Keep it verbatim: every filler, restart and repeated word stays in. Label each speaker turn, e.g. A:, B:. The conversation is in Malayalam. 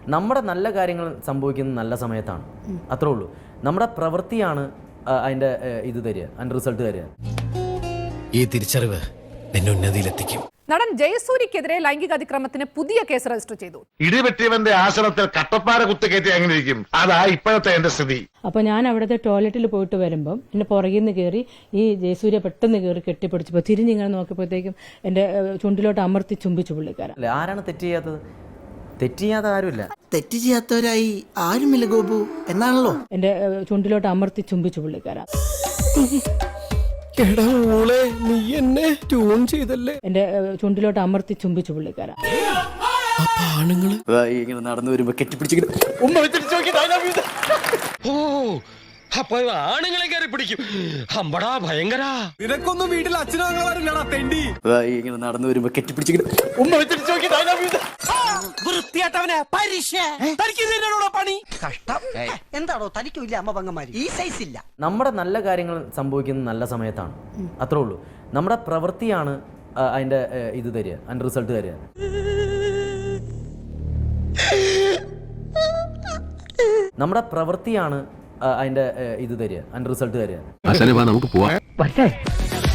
A: നമ്മുടെ നല്ല കാര്യങ്ങൾ സംഭവിക്കുന്നത് നല്ല സമയത്താണ്, അത്രേ ഉള്ളൂ. നമ്മുടെ പ്രവൃത്തിയാണ് അതിൻ്റെ ഇത് തരിക, അതിൻ്റെ റിസൾട്ട് തരിക.
B: ഈ തിരിച്ചറിവ് എന്നെ ഉന്നതിയിലെത്തിക്കും.
C: നടൻ ജയസൂര്യക്കെതിരെ ലൈംഗിക അതിക്രമത്തിന് പുതിയ കേസ് രജിസ്റ്റർ ചെയ്തു.
D: ഇടിവെട്ടിയവന്റെ ആശ്രമത്തിൽ കട്ടപ്പാറ കുത്തുകയറ്റി അങ്ങനെ ഇരിക്കും. അതാ ഇപ്പോഴത്തെ എന്റെ സ്ഥിതി.
E: അപ്പൊ ഞാൻ അവിടുത്തെ ടോയ്ലറ്റിൽ പോയിട്ട് വരുമ്പം എന്റെ പുറകിൽ നിന്ന് കയറി ഈ ജയസൂര്യ പെട്ടെന്ന് കയറി കെട്ടിപ്പിടിച്ചപ്പോ തിരിഞ്ഞിങ്ങനെ നോക്കിയപ്പോഴത്തേക്കും എന്റെ ചുണ്ടിലോട്ട് അമർത്തി ചുംബിച്ചു പുള്ളിക്കാരൻ.
A: അല്ലെ, ആരാണ് തെറ്റ് ചെയ്യാത്തത്? തെറ്റ് ചെയ്യാത്ത ആരുമില്ല.
F: തെറ്റ് ചെയ്യാത്തവരായി ആരുമില്ല ഗോപു എന്നാണല്ലോ.
E: എന്റെ ചുണ്ടിലോട്ട് അമർത്തി ചുംബിച്ചു പുള്ളിക്കാരൻ.
B: എടാ മോളെ, നീ എന്നെ ട്യൂൺ ചെയ്തല്ലേ.
E: എന്റെ ചുണ്ടിലോട്ട് അമർത്തി ചുംബിച്ചു പുള്ളിക്കാരൻ.
B: ആണുങ്ങള്
A: ഇങ്ങനെ നടന്നു വരുമ്പോ കെട്ടിപ്പിടിച്ചിങ്ങനെ
B: ഓ അപ്പൊ ആണുങ്ങളെ കയറി പിടിക്കും. അമ്പടാ ഭയങ്കര. നിനക്കൊന്നും വീട്ടിൽ അച്ഛനും അങ്ങളാരില്ലടാ തെണ്ടി.
A: ഇങ്ങനെ നടന്നു വരുമ്പോ കെട്ടിപ്പിടിച്ചിങ്ങനെ
F: വൃത്തിയായിട്ടവനെ പണി കഷ്ടം. എന്താണോ തനിക്കില്ല അമ്മ പങ്ങന്മാര് ഈ സൈസ് ഇല്ല.
A: നമ്മുടെ നല്ല കാര്യങ്ങൾ സംഭവിക്കുന്നത് നല്ല സമയത്താണ്, അത്രേ ഉള്ളൂ. നമ്മുടെ പ്രവൃത്തിയാണ് അതിൻ്റെ ഇത് തരിക, അതിൻ്റെ റിസൾട്ട് തരിക. നമ്മുടെ പ്രവൃത്തിയാണ് അതിൻ്റെ ഇത് തരിക, അതിൻ്റെ റിസൾട്ട് തരിക.
G: നമുക്ക് പോവാം.